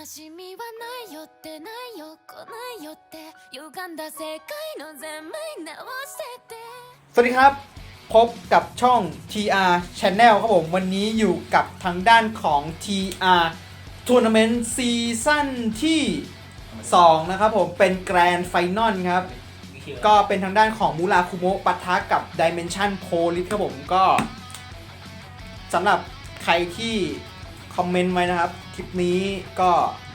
しみはないよってないよ来ないよって歪んだ世界の全面直しててสวัสดีครับพบกับช่อง TR Channel ครับผมวันนี้อยู่กับทางด้านของ TR Tournament ซีซั่นที่ 2 นะครับผมเป็นแกรนด์ไฟนอลครับก็เป็นทางด้านของมูราคุโมะปะทะกับ Dimension Police ครับผมก็สำหรับใครที่คอมเมนต์ไว้นะครับคลิปนี้ก็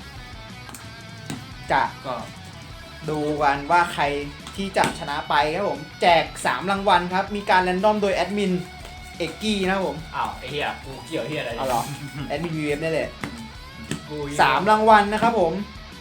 จะดูกันว่าใครที่จะชนะไปครับผมแจก3รางวัลครับมีการแรนดอมโดยแอดมินเอกกี้นะครับผมอ้าวไอ้เหี้ยกูเกี่ยวเหี้ยอะไรเอาเหรอแอดมิน VF นี่แหละกู 3รางวัลนะครับผม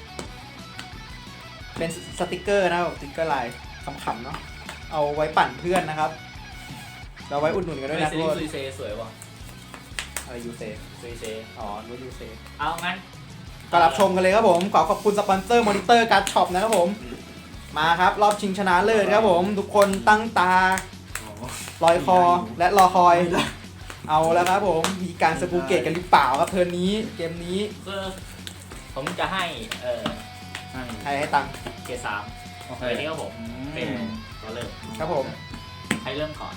เป็นสติกเกอร์นะครับสติกเกอร์ลายขำๆเนาะเอาไว้ปั่นเพื่อนนะครับเราไว้อุดหนุนกันด้วยนะซีทุกคนซุยเซสวยว่ะอะไรยูเซซุยเซอ๋อรู้ยูเซเอางั้นก็รับชมกันเลยครับผมขอบคุณสปอนเซอร์มอนิเตอร์การ์ดช็อปนะครับผมมาครับรอบชิงชนะเลิศครับผมทุกคนตั้งตาลอยคอและรอคอยเอาแล้วครับผมมีการสกูเกตกันหรือเปล่าครับเทิร์นนี้เกมนี้คือผมจะให้ให้ตังค์เกรด3เฮ้ยนี่ครับผมเป็นตัวเริ่มครับผมให้เริ่มก่อน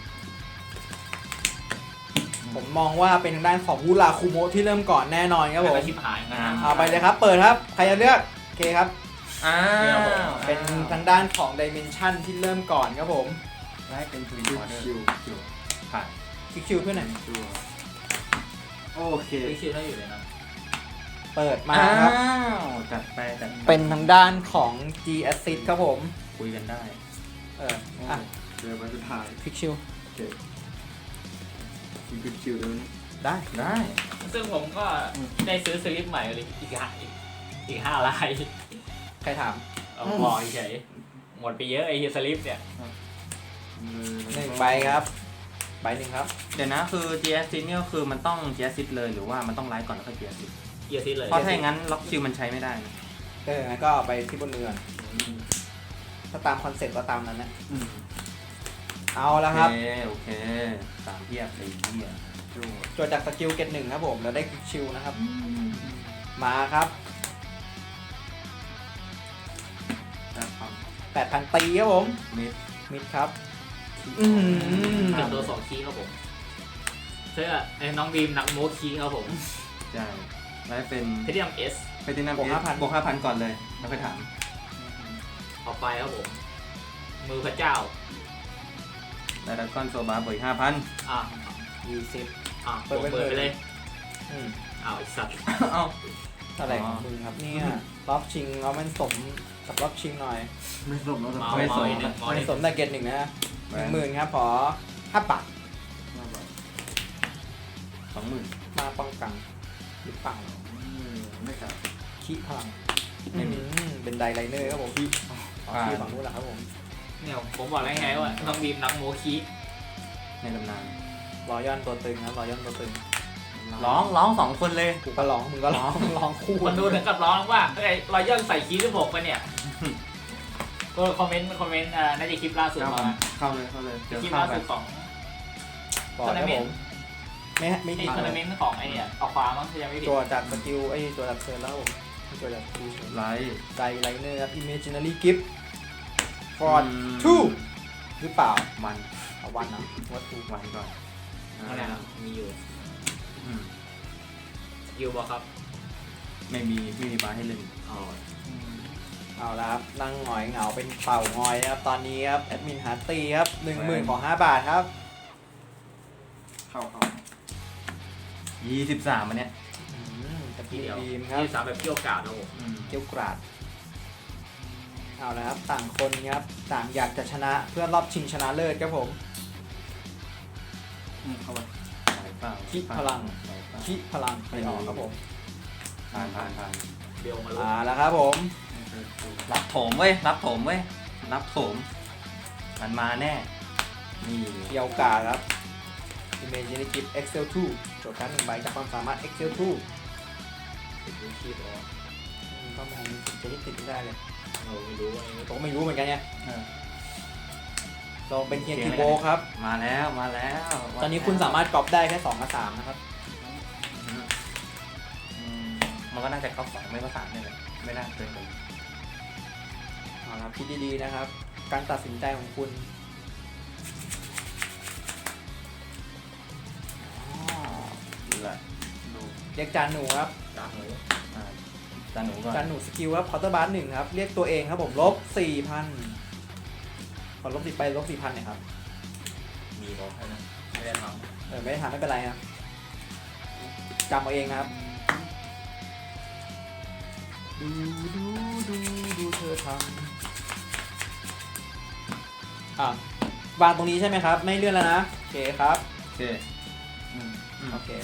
ผมมองว่าเป็นทางด้านของวูราคุโมะที่เริ่มก่อนแน่นอนครับผมไม่ชิบหายนะเอาไปเลยครับเปิดครับใครจะเลือกโอเคครับ เป็นเป็นทางด้านของ Dimension ที่เริ่มก่อนครับผมได้เป็นทวินออเดอร์ผ่านคิวเพื่อนไหนตัวโอเคไม่คิดว่าอยู่เลยนะเปิดมาครับจัดไปจัดเป็นทางด้านของ G Assist ครับผมคุยกันได้อ่ะเจอวันสุดท้ายคลิกชิวโอเคคุณคิวด้วยได้ได้ซึ่งผมก็ได้ซื้อสลิปใหม่เลยอีก5 ลายใครถามเอาบอกเฉยหมดไปเยอะไอ้สลิปเนี่ย 1ใบครับใบหนึ่งครับเดี๋ยวนะคือ GS เนี่ยคือมันต้อง GS เลยหรือว่ามันต้องไลฟ์ก่อนแล้วค่อย GS เกียร์ซิเลยเพราะถ้าอย่างนั้นล็อกคิวมันใช้ไม่ได้งั้นก็เอาไปที่บนเรือนถ้าตามคอนเซ็ปต์ก็ตามนั้นนะเอาแล้วครับโอเค3เทียบ4เทียบจดจากสกิลเกตหนึ่งครับผมแล้วได้คลิกชิวนะครับมาครับ 8,000 ตีครับผมมิดมิดครับเป็นตัว2คีย์ครับผมเสื้อไอ้น้องบีมนักโมคีย์ครับผมใช่แล้วเป็นเพชรยมเอสไปที่นั่นบวก 5,000 ก่อนเลยแล้วค่อยถามต่อไปครับผม มือพระเจ้าแล้วดักก้อนโซบาบวก5,000 อ่ะ 20 เปิดไปเลยอืมอ้าวไอ้สัตว์เอ้าเท่าไหร่ของมึงครับเนี่ยรอบชิงเอามันสมกับรอบชิงหน่อยไม่สมแล้วเมาไม่สมอีกหนึ่งมันสมแต่เกตหนึ่งนะ10,000ครับขอ5 บาท 20,000 มาป้องกันหรือเปล่าไม่ครับขี้พลังไม่มีเป็นไดไลเนอร์ครับผมขี้ขี้ฝั่งนู้นแหละครับผมเนี่ยผมบอกแล้วไงว่าน้องบีมนักโมคีย์ในตำนานรอย่อนตัวตึงครับรอย่อนตัวตึงร้อง2 คนเลยกูก็ร้องมึงก็ร้องร้องคู่คนดูถึงกับร้องว่าไอ้รอยย่อนใส่คีย์ที่6ไปเนี่ย ก็คอมเมนต์น่าจะคลิปล่าสุดมาเข้าเลยเจอคลิปเข้าล่าไปสุดของบอกครับผมไม่ไอ้ผิดทัวร์นาเมนต์ของไอ้เนี่ยเอาฟ้ามั้งถ้ายังไม่ผิดตัวจากสกิลไอ้ตัวจากเซิร์ฟแล้วผมตัวจากคูไลท์ไดไลเนอร์ครับ Imaginary Gift for 2หรือเปล่ามันเอาวันนะวัตถุวันก่อนนั่นแหละมีอยู่สกิลบอกครับไม่มีบาร์ให้เล่นอ๋อเอาละครับนั่งหงอยเหงาเป็นเป่างอยนะครับตอนนี้ครับแอดมินหาตีครับ 10,000 ของ 5 บาทครับเข้า23อันเนี้ยตะทีกี้เดียวบีมครับที่3แบบเกี่ยวกาดนะผมเกี้ยวกราดเอาละครับต่างคนครับต่างอยากจะชนะเพื่อรอบชิงชนะเลิศครับผมเข้าไปเปล่าคิดพลังคิดพลังไปออกครับผมผ่านเบลมาลุ้นมาแล้วครับผมรับโถมเว้ยรับโถมมันมาแน่นี่เกี้ยวกราดครับ Imaginary Gift Excel 2โจทย์การ1ใบจากความสามารถ Excel 2 ติดคีย์ตัวก็มองจะได้ติดไม่ได้เลยเราไม่รู้ว่าผมก็ไม่รู้เหมือนกันเนี่ยลองเป็นเคียร์คีโบครับมาแล้วตอนนี้คุณสามารถก๊อปได้แค่2 กับ 3นะครับมันมันก็น่าจะเข้า2ไม่ก็3เนี่ยแหละไม่น่าเกินไปเอาละคิดดีๆนะครับ การตัดสินใจของคุณอ๋อดูละดูเรียกจานหนูครับจากหมูอ่าจานหนูก่อนจานหนูสกิลครับคอร์เตอร์บาร์1ครับ เรียกตัวเองครับผมลบ 4,000ขอลบ10ไปลบ 4,000หน่อยครับมีบอกให้นะไม่ได้ทไม่ได้ทำไม่เป็นไรครับจำเอาเองนะครับ ดูเธอทำวางตรงนี้ใช่ไหมครับ ไม่เลื่อนแล้วนะ โอเคครับโอเคอืมโอเค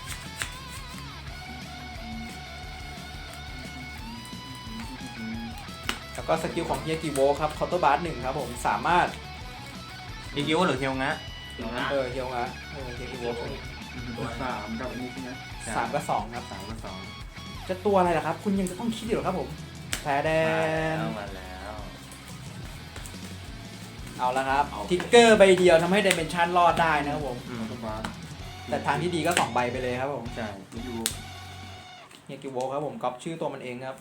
แล้วก็สกิลของเฮียกิโวครับคอร์เตอร์บาร์1ครับผมสามารถอีกิวหรือเฮียวงะำเดี๋ยวนะเฮียวงะเฮียกิโว 3กับอันนี้ใช่ไหม 3กับ2ครับ 3กับ2 จะตัวอะไรล่ะครับ คุณยังจะต้องคิดอยู่เหรอครับผมแพ้แดนมาแล้วเอาละครับทิกเกอร์ใบเดียวทำให้ไดเมนชันรอดได้นะครับผมสบาร์แต่ทางที่ดีก็2ใบไปเลยครับผมใช่นี่อยู่เฮียกิโวครับผมก๊อปชื่อตัวมันเองครับ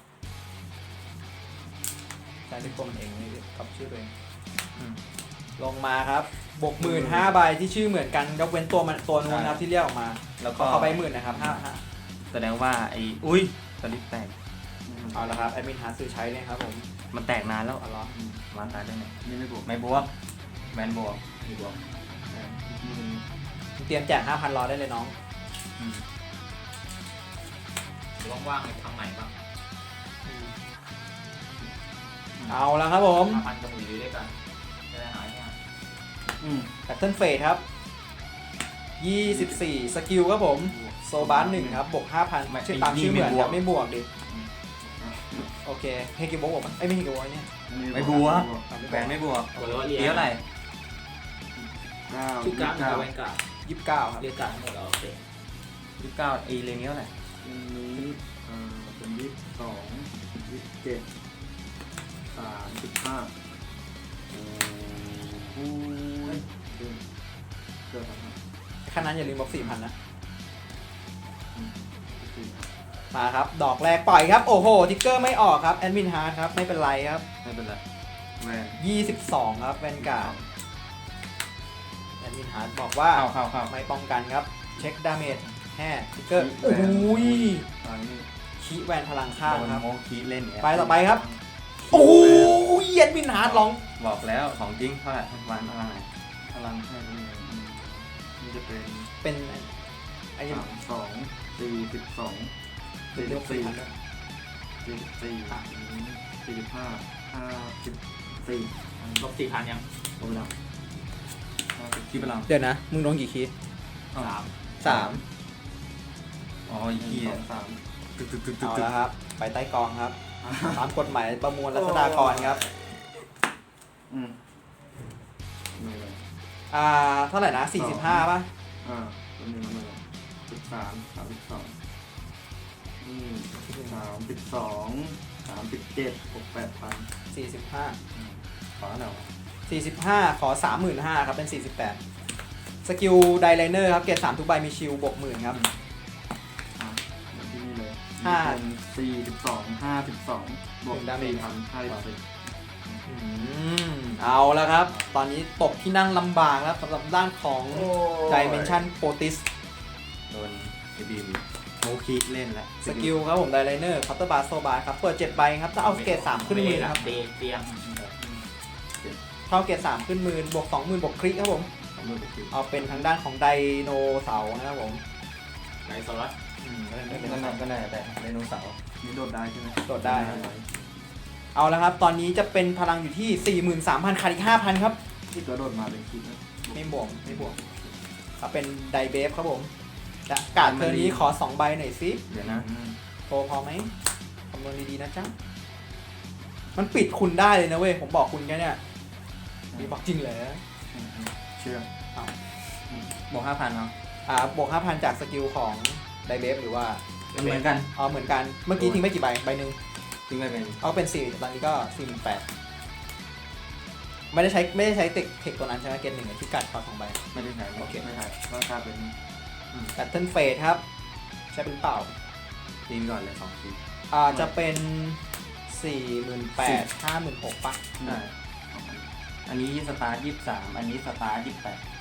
ใช้ที่ตัวมันเองนี่ก๊อปชื่อตัวเองอืมลงมาครับบวก15,000ใบที่ชื่อเหมือนกันยกเว้นตัวมันตัวนู้นนะครับที่เรียกออกมาแล้วขก็อเข้าใบ10,000นะครับ5 แสดงว่าไอ้อุ้ยสลิปแตกเอาละครับแอดมินหาซื้อใช้เลยครับผมมันแตกนานแล้วเอาละมาตายได้ไงนี่ไม่บวกไม่บวกแมนบวกมีบอกเตรียมแจก 5,000 รอได้เลยน้องอืมว่างๆทางไหนบ้างเอาละครับผม 5,000กับหมูอยู่ด้วยกันจะได้หายเนี่ยแพทเทิร์นเฟสครับ 24 สกิลครับผม โซบาร์1ครับ บวก 5,000 ชื่อตามชื่อเหมือนครับไม่บวกดิ โอเคเฮกิโบะบอกมั้ยไม่เฮกิโบะเนี่ยไม่บวกแบนไม่บวกบอกเลยว่าเรียเดียวอะไรชื่อการ์ดมันจะแวนการ์ด 29 ครับเรียกการ์ดทั้งหมดแล้วโอเค 29ไอ้เรเนี้ยอะไรอันนี้เป็น22 27 35โอ้ยเกิดอะไรขนาดนั้นอย่าลืมบวก 4,000 นะ มาครับ ดอกแรกปล่อยครับ โอ้โห ทิกเกอร์ไม่ออกครับ แอดมินฮาร์ดครับ ไม่เป็นไรครับไม่เป็นไรแวน 22 ครับแวนการ์ดแอดมินฮาร์ดบอกว่าเข้าไม่ป้องกันครับ เช็คดาเมจแห่ทิกเกอร์ โอ้ยตอนนี้คีแวนพลังข้างโดนครับโมคีเล่นเนี่ยไปต่อไปครับ โอ้ยแอดมินฮาร์ดร้องบอกแล้วของจริงเท่าไหร่วันพลังไหนพลังให้ตรงนี้นี่จะเป็นเป็นไอ้นี่ 32 42 เรียก 44 4,000ด้วย 45 54 ลบ4,000ยังลงไปแล้วคีพลังเดี๋ยวนะ มึงโดนกี่คี 3 อ๋อไอ้เหี้ย 2 ตึกเอาละครับ ไปใต้กองครับ ตามกฎหมายประมวลรัษฎากรครับไม่เลยเท่าไหร่นะ 45 ป่ะตัวนี้มันเลย13 32นี่32 37 68,000 45 ขอหน่อย 45 ขอ 35,000 ครับ เป็น 48 สกิลไดไลเนอร์ครับ เกรด3ทุกใบมีชิลบวก 10,000 ครับเหมือนที่นี่เลยห้า 42 52บวกดาเมจ 4,054 เอาแล้วครับ ตอนนี้ตกที่นั่งลำบากแล้วสำหรับด้านของ Dimension Potis โดนไอ้บีมโมคีเล่นแล้วสกิลครับผมไดไลเนอร์คัตเตอร์บาร์โซบาร์ครับ เปิด 7 ใบครับ ถ้าเอาเกรด3ขึ้นมือครับเตียงถ้าเอาเกรด3ขึ้นมือบวก 20,000 บวกคลิกครับผม เอาเป็นทางด้านของไดโนเสาร์นะครับผมไหนสลัดก็น่าแต่ไดโนเสาร์นี่โดดได้ใช่ไหมโดดได้ครับ เอาแล้วครับ ตอนนี้จะเป็นพลังอยู่ที่ 43,000ขาดอีก 5,000 ครับที่ตัวโดดมาเป็นคิดนะไม่บวกเอาเป็นไดเบฟครับผมจะกาดเทอร์นี้ขอ 2 ใบหน่อยสิเดี๋ยวนะโทรพอไหมคำนวณดีๆนะจ๊ะ มันปิดคุณได้เลยนะเว้ย ผมบอกคุณแค่เนี่ยนี่บอกจริงเลยเชื่อบวก5,000เนาะบวก 5,000 จากสกิลของไดเบฟหรือว่าเหมือนกันเหมือนกัน เมื่อกี้ทิ้งไปกี่ใบ ใบหนึ่งทิ้งไปเป็นเอาเป็น4ตอนนี้ก็48,000ไม่ได้ใช้เทคตัวนั้นใช่ไหมเกณฑ์หนึ่งที่กัดขอ2 ใบไม่ได้ใช้โอเคไม่ใช่ราคาเป็นแพทเทิร์นเฟสครับ ใช่เป็นเปล่าตีนก่อนเลย2 ทีจะเป็น 48,000 56,000ป่ะใช่อันนี้สตาร์ท23อันนี้สตาร์ท28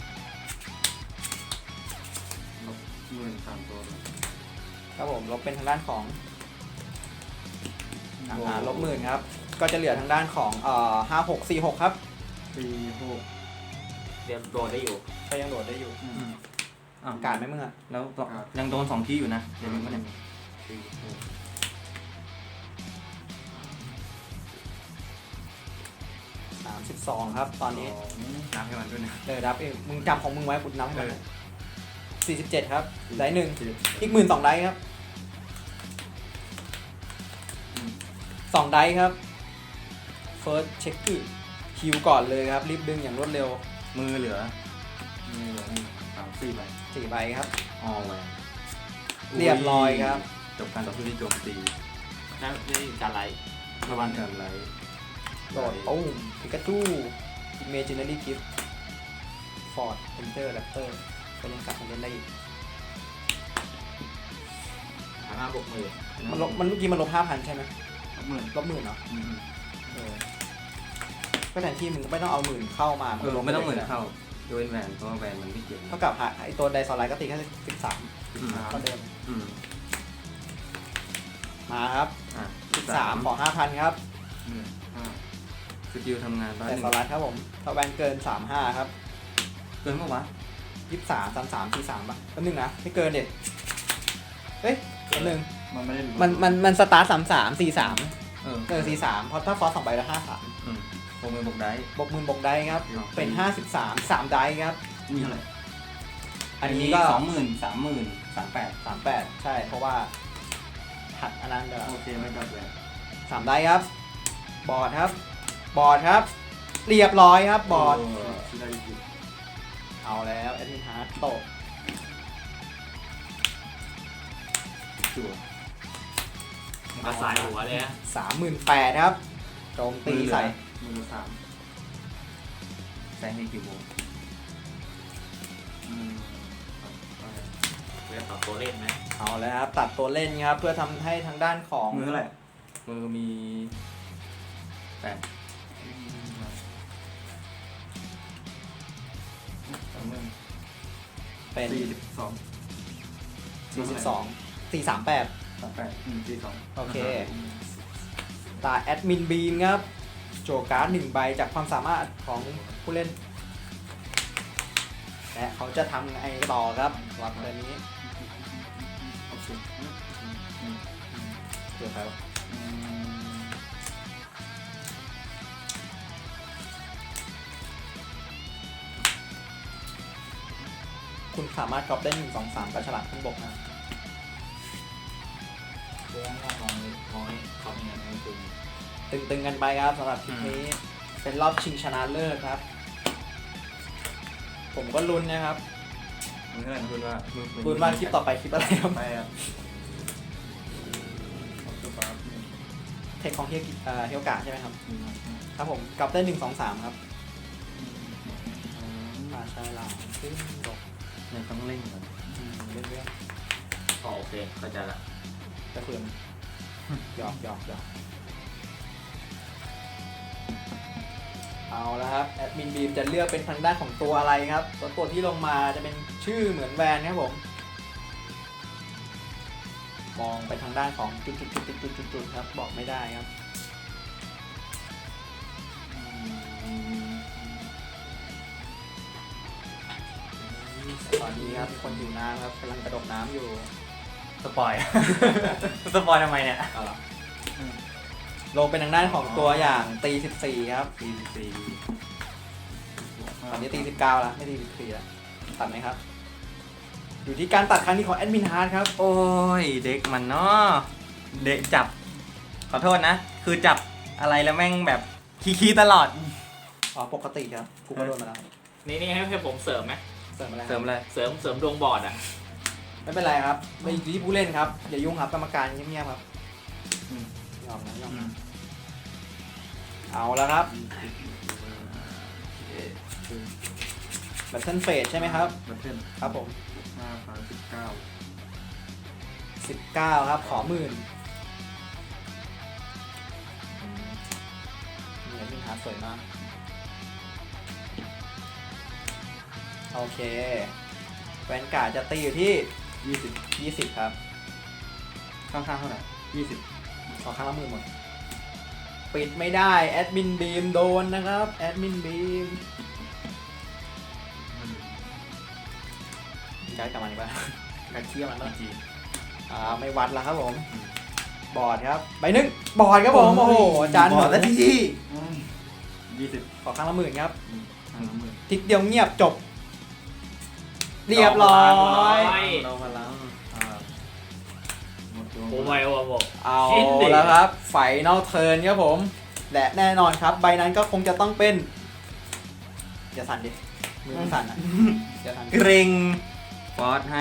ลบหมื่น3 ตัวเลยครับผมลบเป็นทางด้านของลบหมื่นครับก็จะเหลือทางด้านของ5646ครับ 46 เดี๋ยวโดนได้อยู่ก็ยังโดดได้อยู่อ้าวการไหมมึงอะแล้วยังโดน2 ทีอยู่นะเดี๋ยวมึงก็เนี่ย 32ครับตอนนี้นับให้มันด้วยนะนับเองมึงจำของมึงไว้กูนับให้มันเออ 47ครับได้หนึ่งอีก12,000ได้ครับ2ได้ครับ first check คิวก่อนเลยครับรีบดึงอย่างรวดเร็วมือเหลือนี่เหลือ3 4 ใบ 4ใบครับออแหวนเรียบร้อยครับจบการต่อสู้ที่โจมตีนั่นนี่การไลท์ระวังการไลท์โดดตุ้มพิกาจู imaginary gift ford enter raptor ก็ยังกลับมาเล่นได้อีกฐานะบวกมือมันลบมันเมื่อกี้มันลบ 5,000 ใช่ไหมลบหมื่นลบ10,000เนาะอืมก็แทนที่มึงก็ไม่ต้องเอา10,000เข้ามาไม่ต้องเหมือนเข้าโดยแหวนเพราะว่าแหวนมันไม่เกี่ยวเท่ากับไอตัวไดซอลไลท์ก็ตีแค่13 อืมก็เดิมอืมมาครับอ่ะ 13ขอ 5,000 ครับสกิลทำงานบ้านไดซอลไลท์ครับผมถ้าแวนเกิน 35 ครับเกินเมื่อวะ 23 33 43ป่ะก็นึงนะไม่เกินเด็ดเฮ้ยอันหนึ่งมันไม่ได้มันสตาร์ท33 43 เออ 43เพราะถ้าฟอส2ใบแล้ว53 อืมโปรมือบวกได้บวกหมื่นบวกได้ครับเป็น53 3ได้ครับนี่เท่าไหร่อันนี้ก็ 20,000 30,000 38 38ใช่เพราะว่าหัดอันนั้นเด้อโอเคไม่กลับเลย 3ได้ครับบอร์ดครับบอร์ดครับเรียบร้อยครับบอร์ดที่ได้ยินเอาแล้วแอดมินฮาร์ดโตะจั่วมันก็สายหัวเลยนะ 38,000ครับโจมตีใส่มือ3 แซงให้กี่โมงเรียกต่อตัวเล่นไหมเอาแล้วครับตัดตัวเล่นครับเพื่อทำให้ทางด้านของมือเท่าไหร่มือมี8 เป็น 42 42 438 42 โอเคตาแอดมินบีนครับโจการ์ด1ใบจากความสามารถของผู้เล่นและเขาจะทำไงต่อครับวัดตัวนี้โอเคเดี๋ยวครับคุณสามารถกรอบได้1 2 3กระฉลาดขึ้นบกนะเรื่องน้องน้อยเขามีเงินให้ตึงตึงๆกันไปครับสำหรับคลิปนี้เป็นรอบชิงชนะเลิศครับ ผมก็ลุ้นนะครับมือเท่าไหร่นะคุณว่ามือลุ้นว่าคลิปต่อไปคลิปอะไรครับไปอ่ะออกตัวปั๊บเทคของเฮียวกะใช่ไหมครับครับผมกรอบได้1 2 3ครับใช่ลาวขึ้นบกเนี่ยต้องเล่นก่อนเรื่อยอ๋อโอเคเข้าใจละๆกระเพื่อมหยอกเอาแล้วครับแอดมินบีมจะเลือกเป็นทางด้านของตัวอะไรครับตัวที่ลงมาจะเป็นชื่อเหมือนแวนครับผมมองไปทางด้านของจุดๆๆๆๆครับบอกไม่ได้ครับตอนนี้ครับมีคนอยู่น้ำครับกำลังกระโดดน้ำอยู่สปอย สปอยทำไมเนี่ยเอาล่ะลงเป็นทางด้านของตัวอย่างตี14ครับตีตอนนี้ตี19แล้วไม่ตี14แล้วตัดไหมครับ อยู่ที่การตัดครั้งนี้ของแอดมินฮาร์ดครับโอ้ยเด็กมันเนาะเด็กจับขอโทษนะ คือจับอะไรแล้วแม่งแบบขี้ตลอดอ๋อปกติครับกูก็โดนมาแล้วนี่ให้ผมเสริมไหมเสริมอะไรครับเสริมเลยเสริมดวงบอร์ดอ่ะไม่เป็นไรครับไม่อยู่ที่ผู้เล่นครับอย่ายุ่งครับกรรมการเงียบๆครับยอมนะเอาแล้วครับแบทเทิลเฟสใช่ไหมครับบัตเทิลครับผม 5,019 19ครับขอ10,000นี่พี่หาสวยมากโอเคแวนการ์ดจะตีอยู่ที่ 20ครับข้างๆเท่าไหร่ขอข้างละ10,000หมดปิดไม่ได้แอดมินบีมโดนนะครับแอดมินบีมย้ายกลับมาดีกว่าการเชี่ยมันบ้างจีไม่วัดแล้วครับผม บอร์ดครับใบหนึ่งบอร์ดครับผมโอ้โหจานบอดแล้วที 20 ขอข้างละ10,000ครับทางละหมื่นทิกเดียวเงียบจบ เรียบร้อยเราพลังหมดตัวโอ้ยโอ้โหเอาชิ้นดิแล้วครับไฟนอลเทิร์นครับผม และแน่นอนครับ ใบนั้นก็คงจะต้องเป็นอย่าสั่นดิมือมันสั่นอ่ะอย่าสั่นเกรงฟอสให้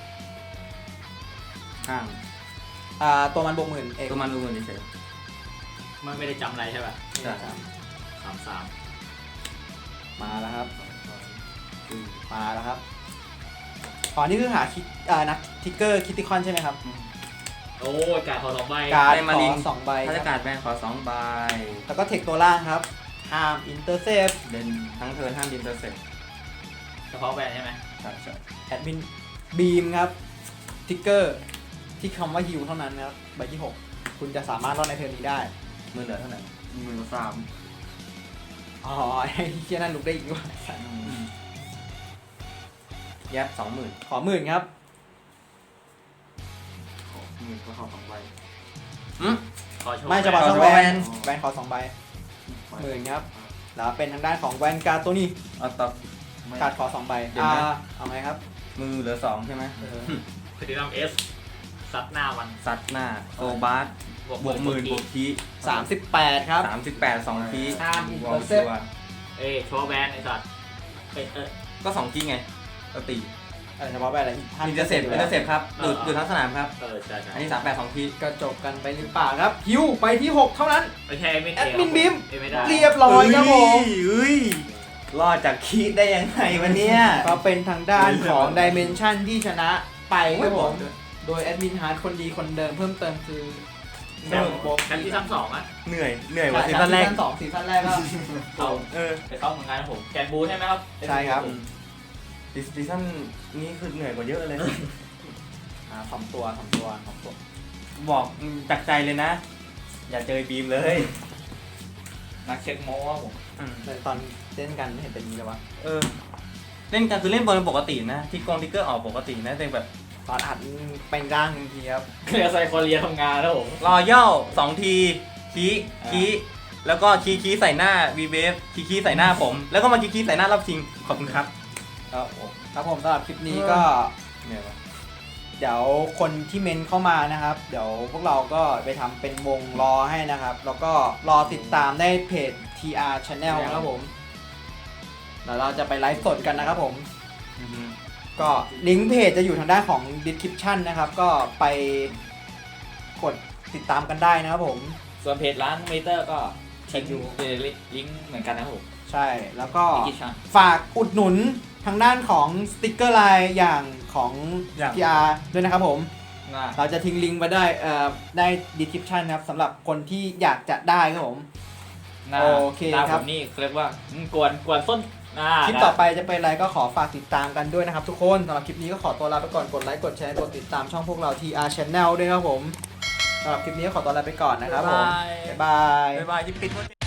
ข้างตัวมันบวก10,000เอกตัวมันดูเหมือนเฉยมันไม่ได้จำอะไรใช่ป่ะๆใช่ 33 มาแล้วครับ มาแล้วครับอ๋อนี่คือหาคิดนักทิกเกอร์คิติคอนใช่ไหมครับโอ้ยการขอ2ใบการ์ดขอ2ใบถ้าคจะรับการดแบนขอ2ใบแล้วก็เทคตัวล่างครับห้ามอินเตอร์เซฟเดินทั้งเทิร์นห้ามดินเตอร์เซ็ตเฉพาะแบรนด์ใช่ไหมใช่ใช่แอดมินบีมครับทิกเกอร์ที่คำว่าฮิวเท่านั้นนะครับใบที่ 6 คุณจะสามารถรอดในเทิร์นนี้ได้มือเหลือเท่าไหร่ 13,000 อ๋อไอ้เชี่ยนั่นลุกได้อีกด้วยยับ20,000 ขอ10,000ครับขอหมื่นก็เข้า2ใบขอโชว์ไม่จะบอกขอช่องโชว์แวนแวนแวนขอ2ใบ10,000ครับแล้วเป็นทางด้านของแวนการ์ดตัวนี้เอาต่อการ์ดขอ2ใบเดี๋ยวนะเอาไงครับมือเหลือ2ใช่ไหมพฤติกรรม S ซัดหน้ามันซัดหน้าโซบาสบวก10,000บวกคี 38ครับ 38 2คีห้ามวอล intercept ชัวเอ้ยโชว์แบรนด์ไอ้สัตว์ก็2คีไงก็ตีเฉพาะแบบอะไรอินเตอร์เซ็ปครับดูทั้งสนามครับใช่ใช่อันนี้38 2คีก็จบกันไปหรือเปล่าครับฮิวไปที่ 6 เท่านั้นไม่ใช่ไม่แอดมินบีมไม่ได้เรียบร้อยครับผมเอ้ยรอดจากคีได้ยังไงวะเนี่ยก็เป็นทางด้านของ Dimension ที่ชนะไปครับผม โดยแอดมินฮาร์ดคนดีคนเดิมเพิ่มเติมคือแชมป์แชมป์ที่2อ่ะเหนื่อยกว่าซีซั่นแรกซีซั่น2ซีซั่นแรกก็เขาเออไปเข้าเหมือนกันผมแกนบูใช่ไหมครับใช่ครับซีซั่นนี้คือเหนื่อยกว่าเยอะเลยสองตัวบอกจากใจเลยนะ อย่าเจอบีมเลยนักเช็คโม้ว่าผมแต่ตอนเล่นกันไม่เห็นเป็นนี้เลยวะเออเล่นกันคือเล่นบอลปกตินะทิกเกอร์ออกปกตินะแต่แบบตอนอัดเป็นร่างจริงๆครับเคลียร์ไซโคเรียทำงานแล้วผมรอย่อ2ทีคีแล้วก็คีใส่หน้าวีเวฟคีใส่หน้าผม แล้วก็มาคีใส่หน้ารอบชิงขอบคุณครับครับผมสำหรับคลิปนี้ก็เหนื่อยวะเดี๋ยวคนที่เมนเข้ามานะครับ เดี๋ยวพวกเราก็ไปทำเป็นวงรอให้นะครับ แล้วก็รอติดตามได้เพจ TR Channel นะครับผมเดี๋ยวเราจะไปไลฟ์สดกันนะครับผม ก็ลิงก์เพจจะอยู่ทางด้านของ description นะครับ ก็ไปกดติดตามกันได้นะครับผมส่วนเพจร้านเมเตอร์ก็ทิ้งอยู่ลิงก์เหมือนกันนะครับผมใช่แล้วก็อีกกี่ชั้นฝากอุดหนุนทางด้านของสติกเกอร์ไลน์อย่างของ TR ด้วยนะครับผม เราจะทิ้งลิงก์ไว้ได้ได้ description นะครับสำหรับคนที่อยากจะได้ครับผม โอเคหน้าครับผมนี่เรียกว่ากวนส้นคลิปต่อไปจะเป็นอะไรก็ขอฝากติดตามกันด้วยนะครับทุกคนสำหรับคลิปนี้ก็ขอตัวลาไปก่อนกดไลค์กดแชร์กดติดตามช่องพวกเรา TR Channel ด้วยครับผมสำหรับคลิปนี้ก็ขอตัวลาไปก่อนนะครับผมบ๊ายบายบ๊ายบายที่ปิด